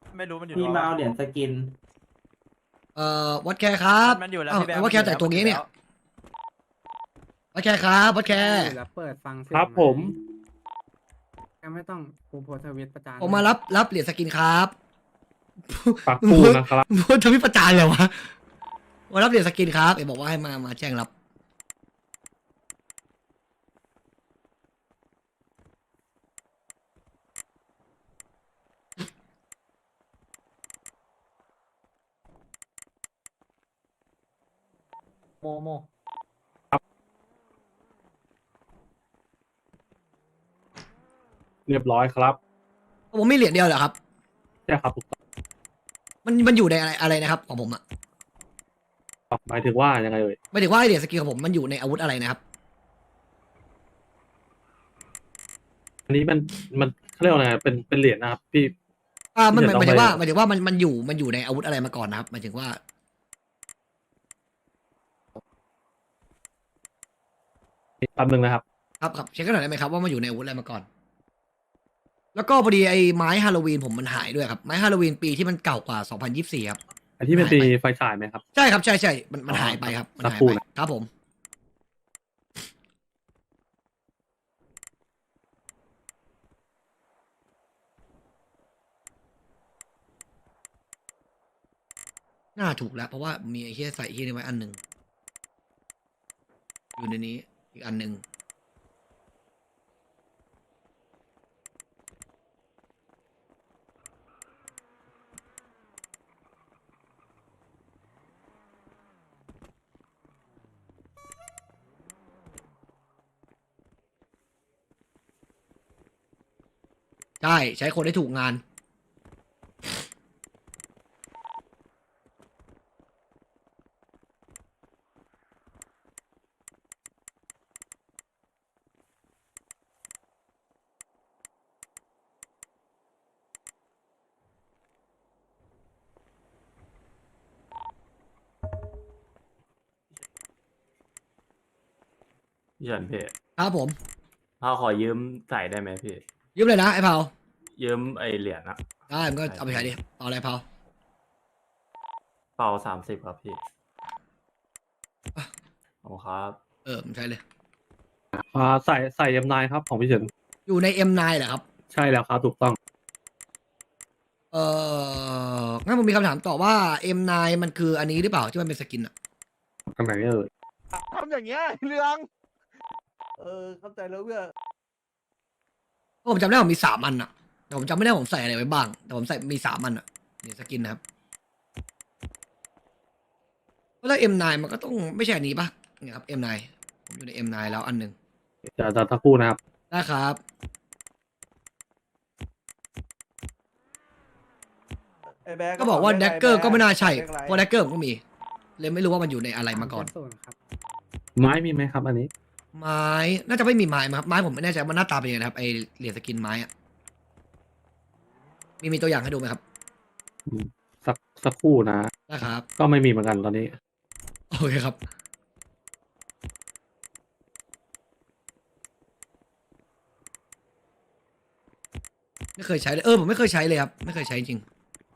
ไม่รู้มันอยู่พี่มาเอาเหรียญสกินวัดแคร์ครับมันอยู่แล้วอ้าวพี่แบงค์วัดแคร์แต่งตัวงี้เนี่ยวัดแคร์ครับวัดแคร์แล้วเปิดฟังเสียงครับผมก็ไม่ต้องกูโพสต์ทวิตประจานผมมารับเหรียญสกินครับปักปูนะครับพูดทวิตประจานเลยวะมารับเหรียญสกินครับเอ๋บอกว่าให้มาแจ้งรับโมโมเรียบร้อยครับผมมีเหรียญเดียวเหรอครับใช่ครับถูกต้องมันอยู่ในอะไรนะครับของผมอะหมายถึงว่ายังไงเอ่ยหมายถึงว่าไอเหรียญสกินของผมมันอยู่ในอาวุธอะไรนะครับอันนี้มันเขาเรียกว่าอะไรเป็นเหรียญนะครับพี่มันหมายถึงว่าเดี๋ยวต้องไปหมายถึงว่ามันอยู่ในอาวุธอะไรมาก่อนนะครับหมายถึงว่าแป๊บนึงนะครับครับเช็คกันหน่อยได้ไหมครับว่ามันอยู่ในอาวุธอะไรมาก่อน แล้วก็พอดีไอ้ไม้ฮาโลวีนผมมันหายด้วยครับไม้ฮาโลวีนปีที่มันเก่ากว่า2024ครับอันที่เป็นตีไฟฉายไหมครับใช่ครับใช่มันหายไปครับมันหายสักครู่ไปนะครับผมน่าถูกแล้วเพราะว่ามีไอ้เฮียใส่เฮียนี่ไว้อันหนึ่งอยู่ในนี้อีกอันหนึ่งใช่ใช้คนได้ถูกงานพี่เฉินพี่ครับผมพ่อขอยืมใส่ได้ไหมพี่ยืมเลยนะไอ้เผายืมไอเหรียญอะได้มันก็เอาไปใช้ดิเอาอะไรเผาเป่า30ครับพี่ขอบคุณครับมันใช้เลยใส่ยำนายครับของพี่เฉินอยู่ใน M9 เหรอครับใช่แล้วครับถูกต้องงั้นผมมีคำถามต่อว่า M9 มันคืออันนี้หรือเปล่าที่มันเป็นสกินอะทางไหนเอ่ยทำอย่างเงี้ยเรื่องเข้าใจแล้วเพื่อเพราะผมจำได้ว่าผมมี3 อันอะแต่ผมจำไม่ได้ว่าผมใส่อะไรไว้บ้าง แต่ผมใส่มี3 อันอะนี่สกินนะครับเพราะถ้า M9 มันก็ต้องไม่ใช่อันนี้ปะเนี่ยครับ M9 ผมอยู่ใน M9 แล้วอันหนึ่งจะสักครู่นะครับนะครับ ก็บอกว่าแดกเกอร์ก็ไม่น่าใช่เพราะแดกเกอร์ผมก็มี เลยไม่รู้ว่ามันอยู่ในอะไรมาก่อนศูนย์ครับไม้มีไหมครับ อันนี้ไม้น่าจะไม่มีไม้มั้งครับไม้ผมไม่แน่ใจว่าหน้าตาเป็นยังไงนะครับไอเหรียญสกินไม้อะมีตัวอย่างให้ดูไหมครับสักครู่นะนะครับก็ไม่มีเหมือนกันตอนนี้โอเคครับไม่เคยใช้เลยผมไม่เคยใช้เลยครับไม่เคยใช้จริง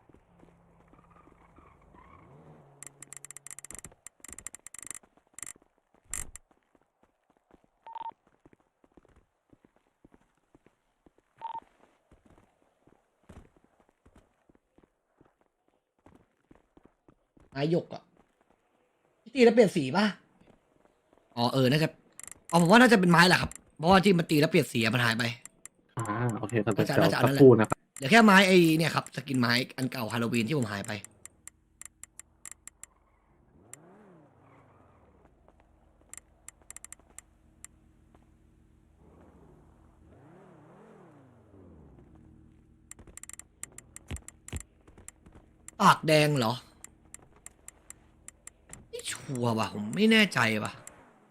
ไม้หยกอะตีแล้วเปลี่ยนสีป่ะอ๋อน่าจะผมว่าน่าจะเป็นไม้แหละครับเพราะว่าที่มันตีแล้วเปลี่ยนสีอะมันหายไปโอเคครับน่าจะเดี๋ยวน่าจะอันนั้สักนแหละครู่นะครับเหลือแค่ไม้ไอ้เนี่ยครับสกินไม้อันเก่าฮาโลวีนที่ผมหายไปปากแดงเหรอไม่ชัวร์ว่ะผมไม่แน่ใจว่ะ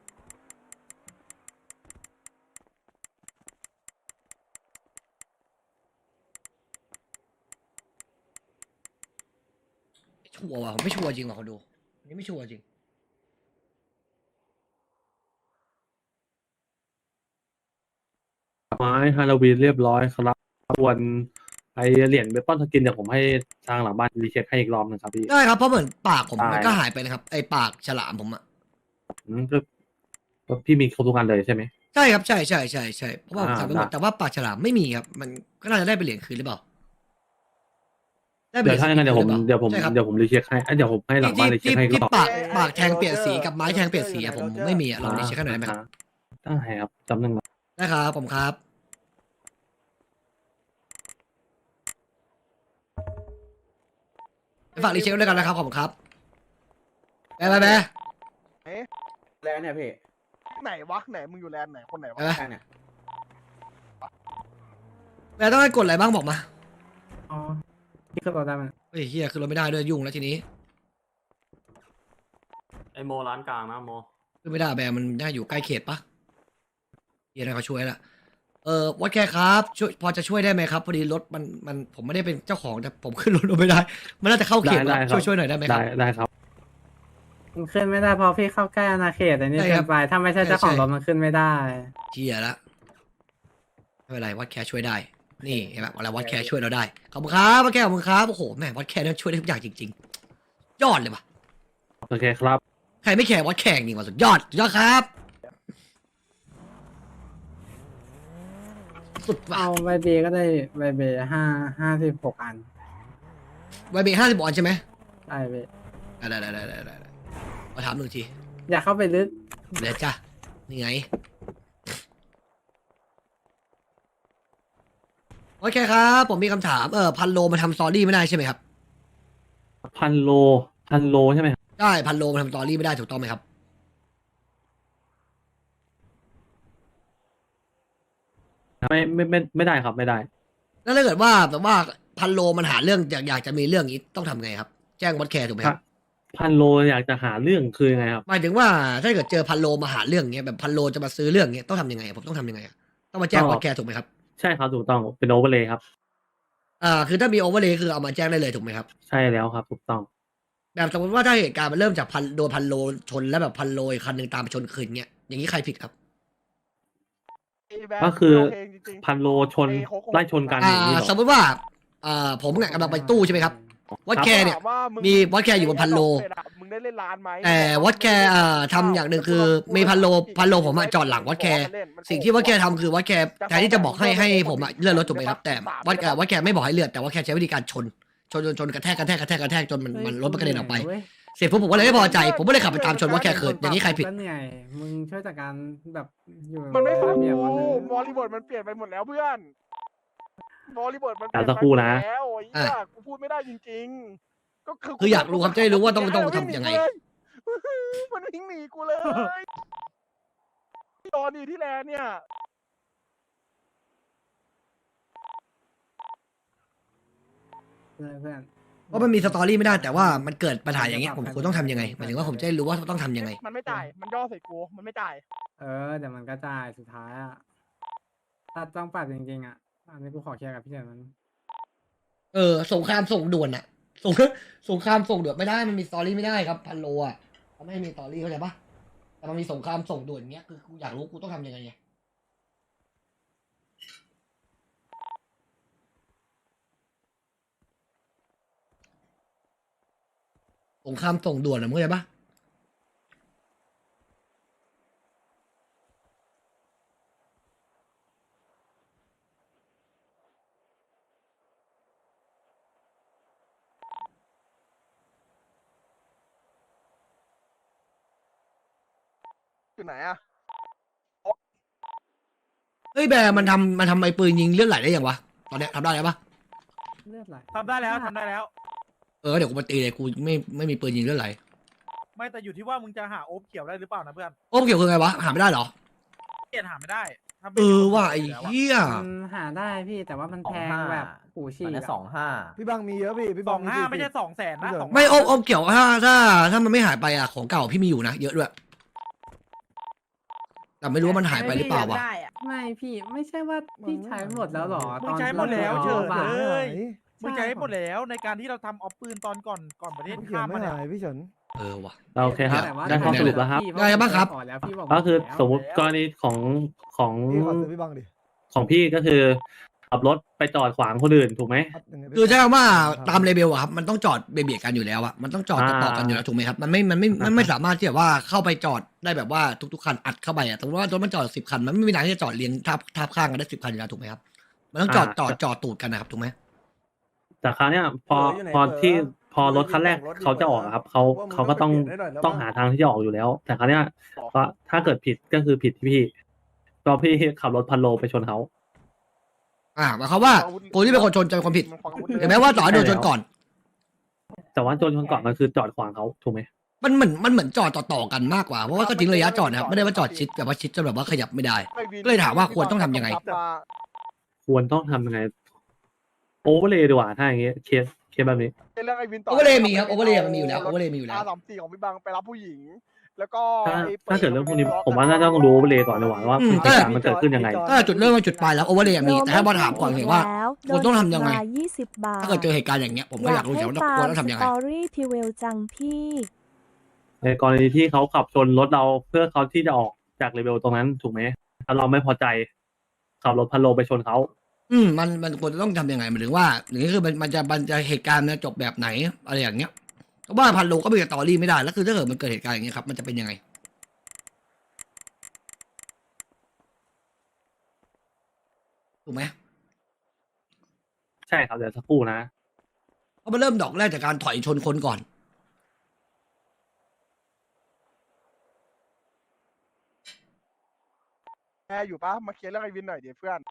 ไม่ชัวร์ว่ะผมไม่ชัวร์จริงว่ะเขาดูอันนี้ไม่ชัวร์จริงไม้ฮาโลวีนเรียบร้อยครับส่วนไอเหรียญเบปอนสกินเดี๋ยวผมให้ทางหลังบ้านรีเช็คให้อีกรอบหนึงครับพี่ได้ครับเพราะเหมือนปากผมได้มันก็หายไปนะครับไอปากฉลามผมอะก็พี่มีครบทุกอันเลยใช่ไหมใช่ครับใช่เพราะว่าผมอ่าทำไปหมดได้แต่ว่าปากฉลามไม่มีครับ มันก็น่าจะได้เป็นเหรียญคืนหรือเปล่าได้เป็นเดี๋ยวถ้าอย่างนั้นเดี๋ยวผมหรีญคืนหรือปล่าใช่ครับเดี๋ยวผมรีเช็คให้เดี๋ยวผมให้หลังบ้านรีเช็คให้อีกรที่อบปากแทงเปลี่ยนสีกับไม้แทงเปลี่ยนสีอะผมไม่มีอะลองดิเช็คให้หน่อยได้ไหมครับได้ครับจำหนึ่งนะได้ครับผมครับไปฝากรีเช็คด้วยกันนะครับขอบคุณครับไปไหนแล้วเนี่ยพี่ไหนวะไหนมึงอยู่แลนด์ไหนคนไหนวะไปข้างเนี่ยไปต้องให้กดอะไรบ้างบอกมาอ๋อพี่ขึ้นรถได้ไหมเฮ้ยเฮียคือเราไม่ได้ด้วยยุ่งแล้วทีนี้ไอโมร้านกลางนะโมคือไม่ได้แบร์มันน่าอยู่ใกล้เขตปะเฮียนะเขาช่วยละวัดแค่ครับช่วยพอจะช่วยได้ไหมครับพอดีรถมันผมไม่ได้เป็นเจ้าของแต่ผมขึ้นรถไม่ได้ มันน่าจะเข้าเขตได้แล้วครับช่วยหน่อยได้ไหมครับได้ครับมันขึ้นไม่ได้เพราะพี่เข้าใกล้อาณาเขตอันนี้ใช่ครัเกินบไปถ้าไม่ใช่เจ้าของใช่รถมันขึ้นไม่ได้เฮียละไม่เป็นไรวัดแคร์ช่วยได้ นี่เห็นไหมอะไรวัดแคร์ช่วยเราได้ขอบคุณครับวัดแคร์ขอบคุณครับโอ้โหแม่วัดแคร์เนี่ยช่วยได้ทุกอย่างจริงๆยอดเลยว่ะโอเคครับใครไม่แคร์วัดแคร์จริงว่ะสุดยอดครับ สุดว่ะเอาใบเบก็ได้ใบเบ56 อันไวเบ50 บอลใช่ไหมได้เบได้มาถามหนึ่งทีอย่าเข้าไปลึกเดี๋ยวจ้ะนี่ไงโอเคครับผมมีคำถามพันโลมาทำสตอรี่ไม่ได้ใช่ไหมครับพันโลใช่ไหมครับได้พันโลมาทำสตอรี่ไม่ได้ถูกต้องไหมครับไม่ได้ครับไม่ได้แล้วถ้าเกิดว่าแบบว่าพันโลมันหาเรื่องอยากจะมีเรื่องนี้ต้องทำไงครับ แจ้งวัดแคร์ถูกไหมครับพันโลอยากจะหาเรื่องคือยังไงครับหมายถึงว่าถ้าเกิดเจอพันโลมาหาเรื่องเงี้ยแบบพันโลจะมาซื้อเรื่องเงี้ยต้องทำยังไงผมต้องทำยังไงอะต้องมาแจ้งวัดแคร์ถูกไหมครับใช่ครับถูกต้องเป็นโอเวอร์เลยครับคือถ้ามีโอเวอร์เลยคือเอามาแจ้งได้เลยถูกไหมครับใช่แล้วครับถูกต้องแบบสมมติว่าถ้าเหตุการณ์มันเริ่มจากโดนพันโลชนแล้วแบบพันโลอีกคันหนึ่งตามไปชนคืนเงี้ยอย่างนี้ใครผิดครับไอ้แบร์ก็คือโเจริงๆพันโลชนไอ้โคโค่ไล่ชนกันอย่างนี้เหรอสมมติว่าผมเนี่ยกำลังไปตู้ใช่ไหมครับวัดแคร์เนี่ยถาว่ามึงมีวัดแคร์อยู่บนพันโลมึงได้เล่นร้านไหมแต่วัดแคร์ทำอย่างหนึ่งคือมีพันโลผมอะจอดหลังวัดแคร์สิ่งที่วัดแคร์ทำคือวัดแคร์แทนที่จะบอกให้ผมอะเลื่อนรถถูกไหมครับแต่วัดแคร์ไม่บอกให้เลื่อนแต่วัดแคร์ใช้วิธีการชนกระแทกจนมันรถมันกระเด็นออกไปเว้ยเสร็จปุ๊บผมก็เลยไม่พอใจ ผมก็เลยขับไปตามชนวัดแคร์คืนอย่างนี้ใครผิดก็เหนื่อยมึงช่วยจัดการแบบอยู่มันไม่ฟังระเบียบกูมันเลยบริบทมันเปลี่ยนไปหมดแล้วเพื่อนบริบทมันเปลี่ยนแต่สักครู่นะไปหมดแล้วไอ้เหี้ยกูพูดไม่ได้จริงๆ ก็คือคืออยากรู้ครับจะได้รู้ว่าต้องทำยังไงมันวิ่งหนีกูเลยตอนนี้ที่แลนด์เนี่ยเพื่อนเพราะมันมีสตอรี่ไม่ได้แต่ว่ามันเกิดปัญหาอย่างเงี้ยผมควรต้องทำยังไงหมายถึงว่าผมจะได้รู้ว่าต้องทำยังไงมันไม่จ่ายมันย่อใส่กูมันไม่จ่ายเดี๋ยวมันก็จ่ายสุดท้ายอ่ะถ้าต้องปรับจริงๆอ่ะอันนี้กูขอเคลียร์กับพี่เฉินมันสงครามส่งด่วนอะสงครามส่งด่วนไม่ได้มันมีสตอรี่ไม่ได้ครับพันโลอะเขาไม่ให้มีสตอรี่เข้าใจปะแต่มันมีสงครามส่งด่วนเงี้ยคือกูอยากรู้กูต้องทำยังไงไงสงครามส่งด่วนอะมึงเข้าใจปะอยู่ไหนอะเฮ้ยแบร์มันทำไอ้ปืนยิงเลือดไหลได้ยังวะตอนเนี้ยทำได้แล้วปะเลือดไหลทำได้แล้วทำได้แล้วเดี๋ยวกูมาตีเลยกูไม่มีปืนยิงเลือดไหลไม่แต่อยู่ที่ว่ามึงจะหาโอ๊บเขียวได้หรือเปล่านะเพื่อนโอ้เกี่ยวคือไงวะหาไม่ได้เหรอเปลี่ยนหาไม่ได้ถ้าไม่ว่ะไอ้แล้วอะเหี้ยมันหาได้พี่แต่ว่ามันแพงแบบหูฉีกอันนี้อะ 25 พี่บังมีเยอะพี่สบัอง งห้าไม่ใช่200,000นะ200,000 ไม่โอ้เกี่ยวถ้ามันไม่หายไปอะของเก่าพี่มีอยู่นะเยอะด้วยแต่ไม่รู้ว่ามันหายไปหรือเปล่าวะไม่พี่ไม่ใช่ว่าพี่ใช้หมดแล้วหรอมึงใช้หมดแล้วเฉยบาทเลยใช่มึงใช้หมดแล้วในการที่เราทำออฟปืนตอนก่อนประเทศข้ามมาเนี่ยพี่เฉินว่ะโอเคครับแต่ว่าได้ข้อสรุปแล้วครับพี่ได้บ้างครับขอแล้วพี่บอกก็คือแล้วสมมติกรณีของพี่ขอซื้อพี่บังดิของพี่ก็คือขับรถไปจอดขวางคนอื่นถูกไหมคือใช่ว่าตามเลเบลอะครับมันต้องจอดเบียดกันอยู่แล้วอะมันต้องจอดต่อๆกันอยู่แล้วถูกไหมครับมันไม่สามารถที่จะว่าเข้าไปจอดได้แบบว่าทุกๆคันอัดเข้าไปอะสมมติว่ารถมันจอด10 คันมันไม่มีทางที่จะจอดเรียงทับข้างกันได้10 คันอยู่แล้วถูกไหมครับมันต้องจอดตูดกันนะครับถูกไหมแต่คราวเนี้ยพอรถคันแรกเขาจะออกอะครับเขาก็ต้องหาทางที่จะออกอยู่แล้ว แต่คราวเนี้ยก็ถ้าเกิดผิดก็คือผิดที่พี่ก็พี่ขับรถพันโลไปชนเขาหมายความว่าคนที่เป็นคนชนจะเป็นคนผิดถึงแม้ว่าต่อให้โดนชนก่อนแต่ว่าโดนชนก่อนมันคือจอดขวางเขาถูกไหมมันเหมือนจอดต่อๆกันมากกว่าเพราะว่าก็ทิ้งระยะจอดนะครับไม่ได้ว่าจอดชิดแบบว่าชิดจนแบบว่าขยับไม่ได้ ก็เลยถามว่าควรต้องทำยังไงควรต้องทำยังไงโอเวอร์เลยดีกว่าถ้าอย่างเงี้ยเคสแบบนี้เรื่องไอ้วินต่โอเวอร์เลยมีครับโอเวอร์เลยมันมีอยู่แล้วโอเวอร์เลยมีอยู่แล้ว R34ของพี่บังไปรับผู้หญิง แล้วก็ถ้าเกิดเรื่องพวกนี้ผมว่าน่าจะต้องรู้โอเวอร์เลยก่อนดีกว่าว่าพฤติกรรมมันเกิดขึ้นยังไงถ้าจุดเริ่มมาจุดปลายแล้วโอเวอร์เลยมีแต่ถ้าบอลถามก่อนเห็นว่าควรต้องทำยังไง 20 บาทถ้าเกิดเจอเหตุการณ์อย่างเงี้ยผมก็อยากรู้ว่าควรต้องทำยังไงสตอรี่ทีเวลจังพี่ในกรณีที่เขาขับชนรถเราเพื่อเขาที่จะออกจากเลเวลตรงนั้นถูกไหมถ้าเราไม่พอใจขับรถพันโลไปชนเขามันควรจะต้องทำยังไงหมายถึงว่าอย่างนี้คือมันจะเหตุการณ์มันจะจบแบบไหนอะไรอย่างเงี้ยเพราะว่าพันโลก็เป็นสตอรี่ไม่ได้แล้วคือถ้าเกิดมันเกิดเหตุการณ์อย่างเงี้ยครับมันจะเป็นยังไงถูกไหมใช่ครับเดี๋ยวสักครู่นะเพราะมันเริ่มดอกแรกจากการถอยชนคนก่อนแอร์อยู่ปะมาเคลียร์เรื่องไอ้วินหน่อยเดี๋ยวเพื่อน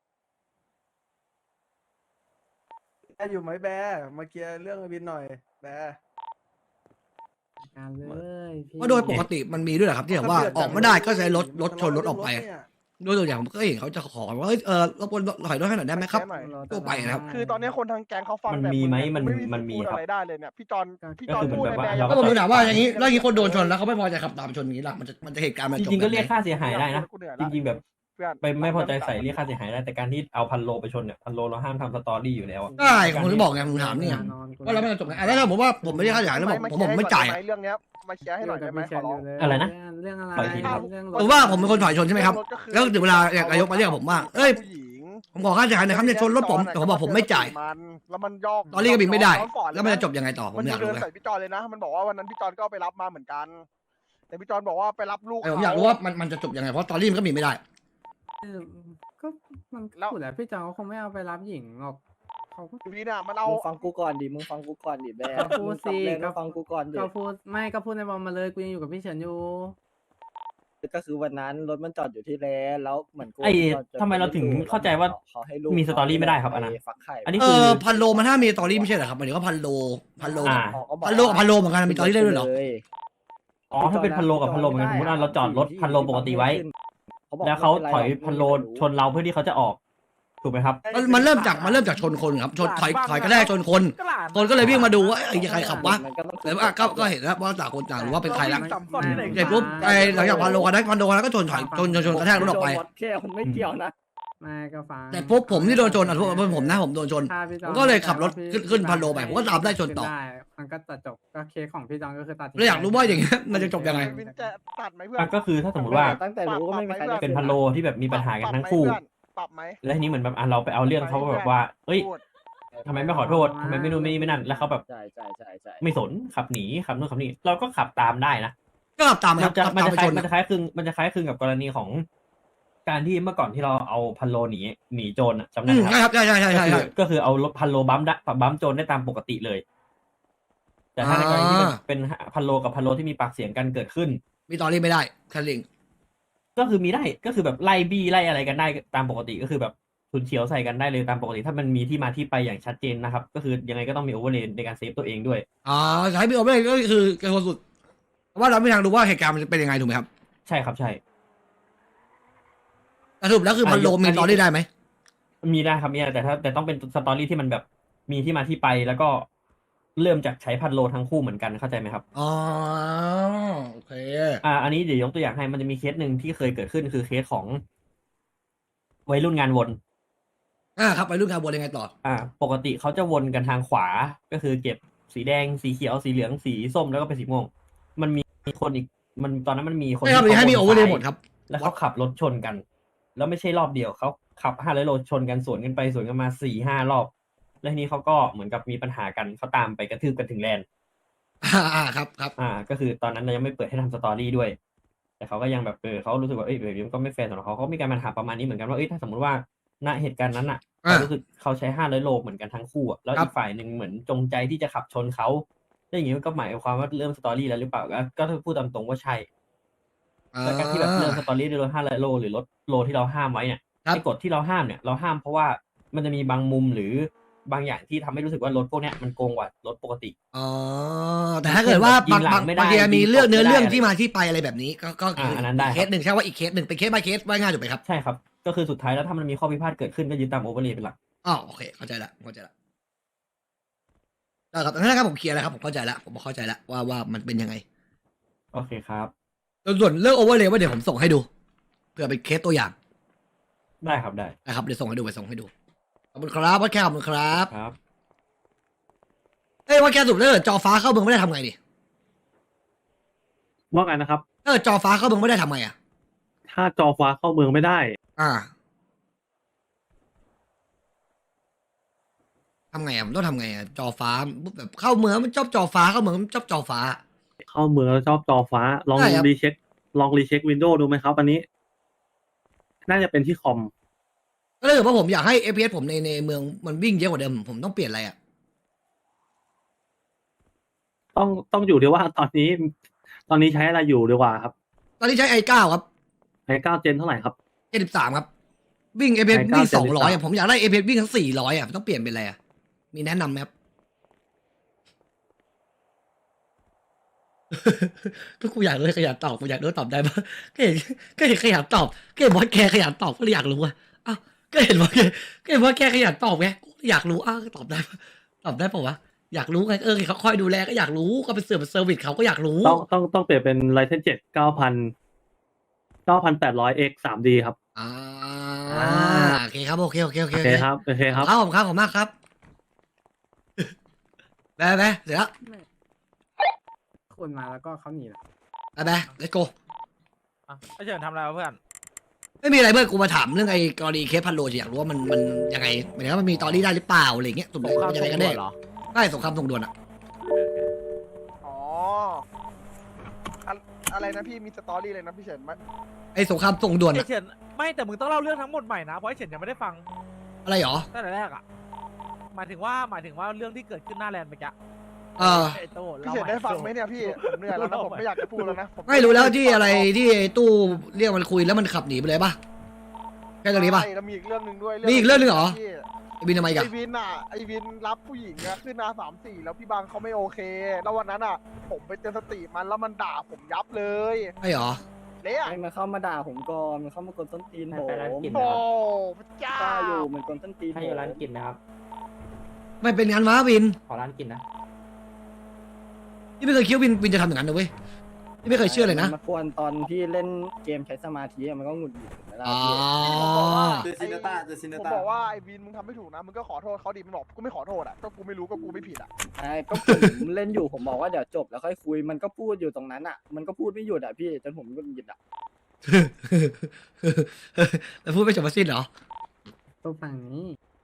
แอยู่ไหมแบร์มาเคลียร์เรื่องวินหน่อยแบร์การเลยพี่ว่าโดยปกติมันมีด้วยเหรอครับที่แบบว่าออกไม่ได้ก็ใช้รถชนรถออกไปโดยตัวอย่างผมก็เห็นเขาจะขอว่ารบกวนถอยรถให้หน่อยได้ไหมครับ ทั่วไปนะครับคือตอนนี้คนทางแก๊งเขาฟังมันแบบมีไหมมันพูดมีครับอะไรได้เลยเนี่ยพี่จอนก็คือพูดแบบว่าในแบร์เราก็ผมถามว่าอย่างนี้แล้วอย่างนี้คนโดนชนแล้วเขาไม่พอใจขับตามชนอย่างนี้ล่ะมันจะเหตุการณ์มันจจบริงๆก็แบบเรียกไหนค่าเสียหายได้นะกูเหนื่อยจละริงๆแบบเพื่อนไปไม่พอใจใส่เรียกค่าเสียหายได้แต่การที่เอาพันโลไปชนเนี่ยพันโลเราห้ามทำสตอรี่อยู่แล้วอะใช่ผมถึงบอกไงผมถามเนี่ยว่าแล้วมันจะจบไงแล้วถ้าผมว่าผมไม่ได้ค่าเสียหายแล้วผมไม่จ่ายเรื่องเนี้ยมาเคลียร์ให้หน่อยได้ไหมขอร้องอะไรนะเรื่องอะไรปล่อยทีครับเรื่องผมว่าผมเป็นคนถอยชนใช่ไหมครับ แล้วถึงเวลานายกมาเรียกผมว่าเอ้ยผู้หญิงผมขอค่าเสียหายหน่อยครับเนี่ยชนรถผมแต่ผมบอกผมไม่จ่ายแล้วมันยอกตอนนี้ก็บินไม่ได้ย้อสอนแล้วมันจะจบยังไงต่อผมมันอยากเดิรู้นไงใส่พี่จอนเลยนะ มันบอกว่าวันนั้นพี่จอนก็เอาไปรับมาเหมือนกัน แต่พี่จอนบอกว่าไปรับลูกผมอยากรู้ว่ามันจะจบยังไงเพราะตอนนี้มันก็มีไม่ได้ก็มันพูดแหละพี่จองเขาคงไม่เอาไปรับหญิงหรอกเขาก็ทีนี้เนี่ยมันเอามึงฟังกูก่อนดิมึงฟังกูก่อนดิแบร์ก็พูดสิมึงฟังกูก่อนดิก็พูดไม่ก็พูดในบอลมาเลยกูยังอยู่กับพี่เฉินอยู่ก็คือวันนั้นรถมันจอดอยู่ที่แลนด์แล้วเหมือนกูไอ้ทำไมเราถึงเข้าใจว่าขอให้ลูกมีสตอรี่ไม่ได้ครับอันนั้นปฟักไข่อันนี้คือพันโลมันถ้ามีสตอรี่ไม่ใช่เหรอครับหมายถึงว่าพันโลอ่าพันโลกับพันโลเหมือนกันมีสตอรี่ได้ด้วยเหรออ๋อถ้าเป็นพันโลกับพันโลเหมือนกันสมมติว่าเราจอดรถพันโลปกติไว้ แล้วเขาถอยพันโลชนเราเพื่อที่เขาจะออกถูกไหมครับมันเริ่มจากชนคนครับชนถอยก็ได้ชนคน คนก็เลยวิ่งมาดูว่าไอ้ใครขับวะแต่ว่าก็เห็นแล้วว่าต่างคนต่างรู้ว่าเป็นใครละ เสร็จปุ๊บไอ้หลังจากพันโลกันนั้นก็ชนกระแทกรถออกไปแค่มันไม่เกี่ยวนะไม่ก็ฟังแต่ปุ๊บผมที่โดนชนผมนะผมโดนชนถ้าพี่จผองมก็เลยขับรถขึ้นพันโลไปผมก็ตามได้ชนต่อได้มันก็ตัดจบก็เคสของพี่จองก็คือตัดทิ้งแล้วอยากรู้ว่าอย่างเงี้ยมันจะจบยังไงวินจะตัดไหมเพื่อนอ่ะก็คือถ้าสมมติว่าตั้งแต่รู้ก็ไม่มีใครได้เป็นพันโลที่แบบมีปัญหากันทั้งคู่ปรับไหมแล้วทีนี้เหมือนแบบเราไปเอาเรื่องเขาแบบว่าเอ้ยพูดทำไมไม่ขอโทษทำไมไม่นู่นไม่นั่นแล้วเขาแบบใช่ใช่ใช่ใช่ไม่สนขับหนีขับนู่นขับนี่เราก็ขับตามได้นะก็ขับตามมันครับจะขับมันตามจะไปคล้าชยนมันจะคล้ายคลึงมันจะคล้ายคลึงกับกรณีของ การที่เมื่อก่อนที่เราเอาพันโลหนีโจรอะจำได้อืไหมมครับใช่ครับใช่ก็คือเอารถพันโลบัมโจรได้ตามปกติเลย แต่ถ้าในกรณีที่เป็นพันโลกับพันโลที่มีปากเสียงกันเกิดขึ้นมีตอรี่ไม่ได้แค่ลิงก็คือมีได้ก็คือแบบไล่บี้ไล่อะไรกันได้ตามปกติก็คือแบบชุนเฉียวใส่กันได้เลยตามปกติถ้ามันมีที่มาที่ไปอย่างชัดเจนนะครับ ก็คือยังไงก็ต้องมีโอเวอร์เลนในการเซฟตัวเองด้วยอ๋อใช้พี่โอไม่ก็คือแกคนสุดเพราะว่าเราไม่ทางรู้ว่าเหตุการณ์มันจะเป็นยังไงถูกไหมครับใช่ครับใช่สรุปแล้วคือพันโลมีตอรี่ได้ไหมมีได้ครับมีได้แต่ต้องเป็นสตอรี่ที่มันแบบมีที่มาที่ไปแล้วก็เริ่มจากใช้พันโลทั้งคู่เหมือนกันเข้าใจไหมครับอ๋อโอเคอันนี้เดี๋ยวยกตัวอย่างให้มันจะมีเคสหนึ่งที่เคยเกิดขึ้นคือเคสของวัยรุ่นงานวนครับไปรุ่นการบอลยังไงต่อปกติเขาจะวนกันทางขวาก็คือเก็บสีแดงสีเขียวสีเหลืองสีส้มแล้วก็เป็นสีม่วงมันมีคนอีกตอนนั้นมันมีคนไม่ครับที่ให้มีขาโอเวอร์เลวนย์หมดครับแล้วเขาขับรถชนกัน แล้วไม่ใช่รอบเดียวเขาขับ500 โลชนกันสวนกันไปสวนกันมา4-5 รอบแล้วทีนี้เขาก็เหมือนกับมีปัญหากันเขาตามไปกระทืบกันถึงแลนด์ครับครับก็คือตอนนั้นเรายังไม่เปิดให้ทำสตอรี่ด้วย แต่เขาก็ยังแบบเขารู้สึกว่าแบบนี้มันก็ไม่แฟร์สำหรับเขามีการปัญหาประมาณนี้เหมือนกันว่าถ้าสมมติว่าณเหตุการณ์นั้นอ่ะเขารู้สึกเขาใช้500 โลเหมือนกันทั้งคู่แล้วอีกฝ่ายหนึ่งเหมือนจงใจที่จะขับชนเขาแล้วอย่างนี้มันก็หมายความว่าเริ่มสตอรี่แล้วหรือเปล่าก็พูดตามตรงว่าใช่แล้วการที่แบบเริ่มสตอรี่ด้วยรถ500 โลหรือรถโลที่เราห้ามไว้เนี่ยไอ้กฎที่เราห้ามเนี่ยเราห้ามเพราะว่ามันจะมีบางมุมหรือบางอย่างที่ทำให้รู้สึกว่ารถพวกเนี้ยมันโกงกว่ารถปกติแต่ถ้าเกิดว่าบางทีมีเรื่องเนื้อเรื่องที่มาอะไรที่ไปอะไรแบบนี้ก็คืออันนั้นได้เคสหนึ่งใช่ว่าอีกเคสหนึ่งเป็นเคส by เคสว่าง่ายถูกไหมครับใช่ครับก็คือสุดท้ายแล้วถ้ามันมีข้อพิพาทเกิดขึ้นก็ยึดตามโอเวอร์เลย์เป็นหลักอ๋อโอเคเข้าใจละได้ครับงั้นนะครับผมเคลียร์แล้วครับผมเข้าใจละผมเข้าใจละว่ามันเป็นยังไงโอเคครับส่วนเรื่องโอเวอร์เลยว่าเดี๋ยวผมส่งให้ดูเผื่อเป็นเคสตัวอย่างได้ครับได้นะครับเดี๋ยวส่งให้ดูขอบคุณครับวัดแค่ขอบคุณครับครับวัดแค่สุดถ้าเกิดจอฟ้าเข้าเมืองไม่ได้ทำไงดิว่าไงนะครับถ้าเกิดจอฟ้าเข้าเมืองไม่ได้ทำไงอ่ะถ้าจอฟ้าเข้าเมืองไม่ได้ทำไงอ่ะมันต้องทำไงอ่ะจอฟ้าแบบเข้าเมืองมันชอบจอฟ้าเข้าเมืองมันชอบจอฟ้าเข้าเมืองแล้วชอบจอฟ้าลองได้ครับรีเช็ควินโดว์ดูไหมครับ อันนี้ น่าจะเป็นที่คอมก็เลยว่าผมอยากให้ FPS ผมในเมืองมันวิ่งเยอะกว่าเดิมผมต้องเปลี่ยนอะไรอ่ะต้องอยู่ที่ว่าตอนนี้ใช้อะไรอยู่ดีกว่าครับตอนนี้ใช้ i9 ครับ i9 เจนเท่าไหร่ครับ 73ครับวิ่ง FPS ไอ้วิ่ง 9 200อ่ะผมอยากได้ FPS วิ่งทั้ง400อ่ะต้องเปลี่ยนเป็นอะไรอ่ะมีแนะนำไหมครับ ก็กูอยากเลยขยันตอบกูอยากรู้ตอบได้ปะก็เห็นขยันตอบก็เห็นบอสแคร์ขยันตอบก็เลยอยากรู้ว่าอ้าวก็เห็นบอสแคร์ขยันตอบไงกูอยากรู้อ้าวตอบได้ปะตอบได้ปะวะอยากรู้ไงเขาคอยดูแลก็อยากรู้ก็เป็นเซอร์วิสเขาก็อยากรู้ต้องเปลี่ยนเป็น Ryzen 7 9800X 3D ครับโอเคครับโอเคโอเคครับครับผมมากครับไปเสร็จแล้วคนมาแล้วก็เขาหนีละไป let's go ไอเฉินทำอะไรวะเพื่อนไม่มีอะไรเพื่อนกูมาถามเรื่องไอ้กรณีเคสพันโลอยากรู้ว่ามันยังไงหมายถึงว่ามันมีตอรี่ได้หรือเปล่าอะไรเงี้ยสมมติมันยังไงกันแน่ได้สงครามส่งด่วนอ่ะอ๋ออะไรนะพี่มีสตอรี่เลยนะพี่เฉินไอ้สงครามส่งด่วนไออะเฉินไม่แต่มึงต้องเล่าเรื่องทั้งหมดใหม่นะเพราะไอเฉินยังไม่ได้ฟังอะไรหรอตั้งแต่แรกอ่ะหมายถึงว่าเรื่องที่เกิดขึ้นหน้าแลนด์เมื่อกี้ ไอโต้พี่เฉินได้ฟังไหมเนี่ยพี่ผมเหนื่อยแล้วนะผมไม่อยากจะพูดแล้วนะผไม่รู้แล้วที่อะไรที่ไอ้ตู้เรียกมันคุยแล้วมันขับหนีไปเลยป่ะแค่ตรงนี้ป่ะใช่แล้วมีอีกเรื่องหนึ่งด้วยมีอีกเรื่องหนึ่งเหรอพี่ไอ้บินทำไมกันไอวินอ่ะไอวินรับผู้หญิงอะขึ้นมา3-4แล้วพี่บางเขาไม่โอเค แล้ววันนั้นอ่ะ ผมไปเตือนสติมันแล้วมันด่าผมยับเลยใช่หรอเละมันเข้ามาด่าผมก่อนมันเข้ามากดส้นตีนผมโอ้พระเจ้ากล้าอยู่มันกดส้นตีนผมให้ร้านกินนะครับไม่เป็นงานวะวินขอร้านกินนะพี่ไม่เคยคิดว่าวินจะทำอย่างนั้นนะเว้ยพี่ไม่เคยเชื่อเลยนะมากวนตอนพี่เล่นเกมใช้สมาธิอะมันก็หงุดหงิดเวลาอ๋อพี่ผมบอกว่าไอวินมึงทำไม่ถูกนะมึงก็ขอโทษเขาดิมันบอกกูไม่ขอโทษอ่ะก็กูไม่รู้ก็กูไม่ผิดอ่ะใช่ก็ผมเล่นอยู่ผมบอกว่าเดี๋ยวจบแล้วค่อยคุยมันก็พูดอยู่ตรงนั้นอ่ะ มันก็พูดไม่หยุดอ่ะพี่จนผมหงุดหงิดอ่ะแล้วพูดไม่จบมาสิ้นเหรอตัวฝั่งนี้